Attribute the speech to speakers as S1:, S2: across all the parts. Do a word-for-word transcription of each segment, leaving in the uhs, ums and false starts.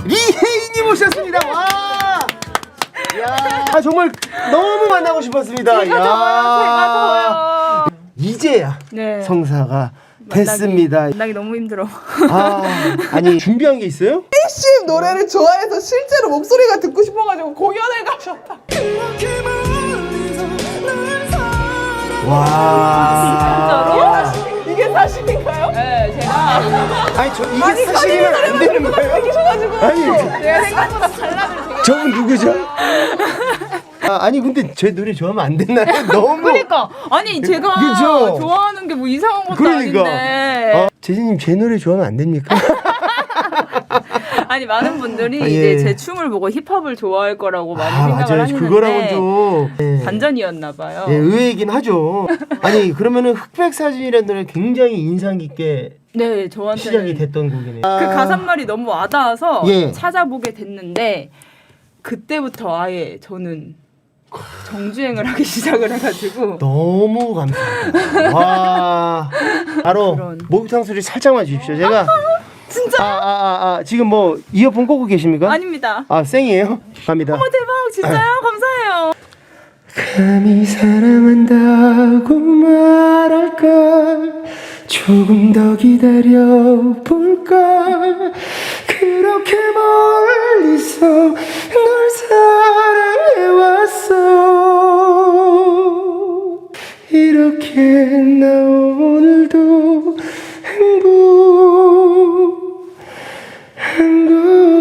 S1: 리혜인님 오셨습니다. 와. 야, 아, 정말 너무 만나고 싶었습니다.
S2: 제가 더워요. 제가 더워요.
S1: 이제야
S2: 네.
S1: 성사가
S2: 만나기,
S1: 됐습니다.
S2: 만나기 너무 힘들어.
S1: 아, 아니 준비한 게 있어요?
S3: 씨 노래를 좋아해서 실제로 목소리가 듣고 싶어가지고 공연을 가셨다.
S1: 와.
S2: 진짜로?
S3: 이게 사실인가요?
S2: 네, 제가
S1: 아니 저 이게 사실이면 안 되는 거예요? 아니
S2: 제가 생각보다 발라드를 되게
S1: 저분 누구죠? 아, 아니 근데 제 노래 좋아하면 안 됐나요? 너무
S2: 그러니까 아니 제가
S1: 그죠?
S2: 좋아하는 게 뭐 이상한 것도
S1: 그러니까.
S2: 아닌데
S1: 어, 재진님 제 노래 좋아하면 안 됩니까?
S2: 아니 많은 분들이
S1: 아,
S2: 이제
S1: 예.
S2: 제 춤을 보고 힙합을 좋아할 거라고 많이
S1: 아
S2: 생각을
S1: 맞아요.
S2: 하시는데
S1: 그거랑은 좀 예.
S2: 반전이었나 봐요.
S1: 예, 의외이긴 하죠. 아니 그러면은 흑백 사진이라는 노래 굉장히 인상 깊게
S2: 네, 저한테는
S1: 시작이 됐던 곡이네요.
S2: 그 가사말이 너무 와닿아서
S1: 예.
S2: 찾아보게 됐는데 그때부터 아예 저는 정주행을 하기 시작을 해가지고
S1: 너무 감사합니다. 와, 바로
S2: 그런.
S1: 목욕탕 소리 살짝만 주십시오. 제가
S2: 진짜
S1: 아, 아, 아, 아, 지금 뭐 이어폰 꽂고 계십니까?
S2: 아닙니다.
S1: 아, 생이에요? 갑니다.
S2: 어머 대박 진짜요? 감사해요.
S1: 감히 사랑한다고 말할까 조금 더 기다려볼까 그렇게 멀리서 널 사랑해왔어 이렇게 나 오늘도 행복한 걸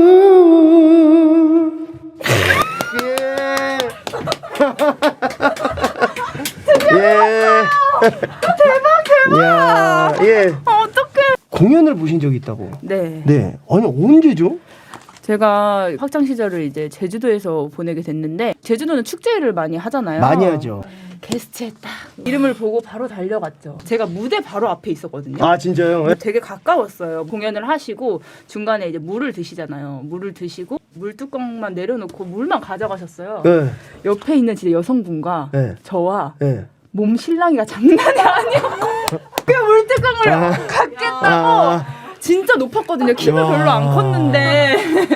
S1: 예.
S2: 대박 대박.
S1: 야, 예.
S2: 어떡해.
S1: 공연을 보신 적이 있다고.
S2: 네.
S1: 네. 아니 언제죠?
S2: 제가 학창 시절을 이제 제주도에서 보내게 됐는데 제주도는 축제를 많이 하잖아요.
S1: 많이 하죠.
S2: 게스트에 딱 이름을 보고 바로 달려갔죠. 제가 무대 바로 앞에 있었거든요.
S1: 아 진짜요? 예?
S2: 되게 가까웠어요. 공연을 하시고 중간에 이제 물을 드시잖아요. 물을 드시고 물 뚜껑만 내려놓고 물만 가져가셨어요.
S1: 네.
S2: 옆에 있는 진짜 여성분과
S1: 네.
S2: 저와
S1: 네.
S2: 몸 실랑이가 장난이 아니었고 그 물뚜껑을
S1: 아.
S2: 갖겠다고
S1: 아.
S2: 진짜 높았거든요. 키도
S1: 와.
S2: 별로 안 컸는데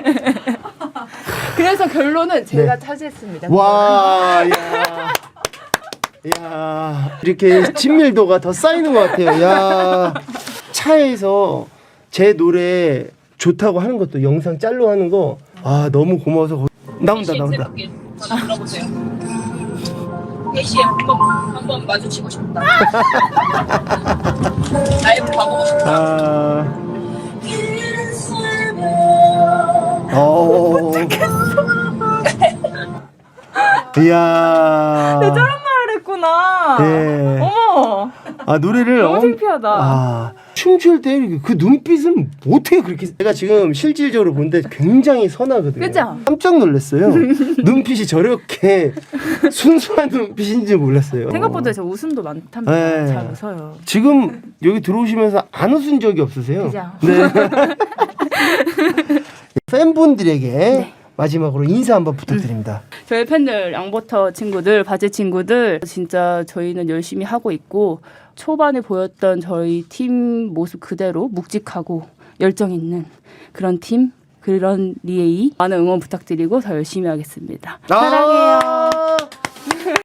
S2: 그래서 결론은 제가
S1: 네.
S2: 차지했습니다.
S1: 와, 야. 야, 이렇게 친밀도가 더 쌓이는 것 같아요. 야, 차에서 제 노래 좋다고 하는 것도 영상 짤로 하는 거, 아 너무 고마워서 거... 나온다 나온다.
S4: 불러보세요. 혜시에 한번 한번 마주치고 싶다. 라이브 가보고 싶다.
S1: 아, 어, 이야.
S2: 저런 말을 했구나.
S1: 네.
S2: 어머.
S1: 아 노래를
S2: 너무
S1: 엄-
S2: 창피하다.
S1: 아 춤출 때 이렇게 그 눈빛은 어떻게 그렇게 제가 지금 실질적으로 보는데 굉장히 선하거든요.
S2: 그죠?
S1: 깜짝 놀랐어요. 눈빛이 저렇게 순수한 눈빛인지 몰랐어요.
S2: 생각보다 저 웃음도 많답니다.
S1: 네.
S2: 잘 웃어요.
S1: 지금 여기 들어오시면서 안 웃은 적이 없으세요?
S2: 그죠?
S1: 네. 팬분들에게 마지막으로 인사 한번 부탁드립니다.
S2: 저희 팬들, 양버터 친구들, 바제 친구들 진짜 저희는 열심히 하고 있고 초반에 보였던 저희 팀 모습 그대로 묵직하고 열정 있는 그런 팀, 그런 리에이 많은 응원 부탁드리고 더 열심히 하겠습니다. 사랑해요.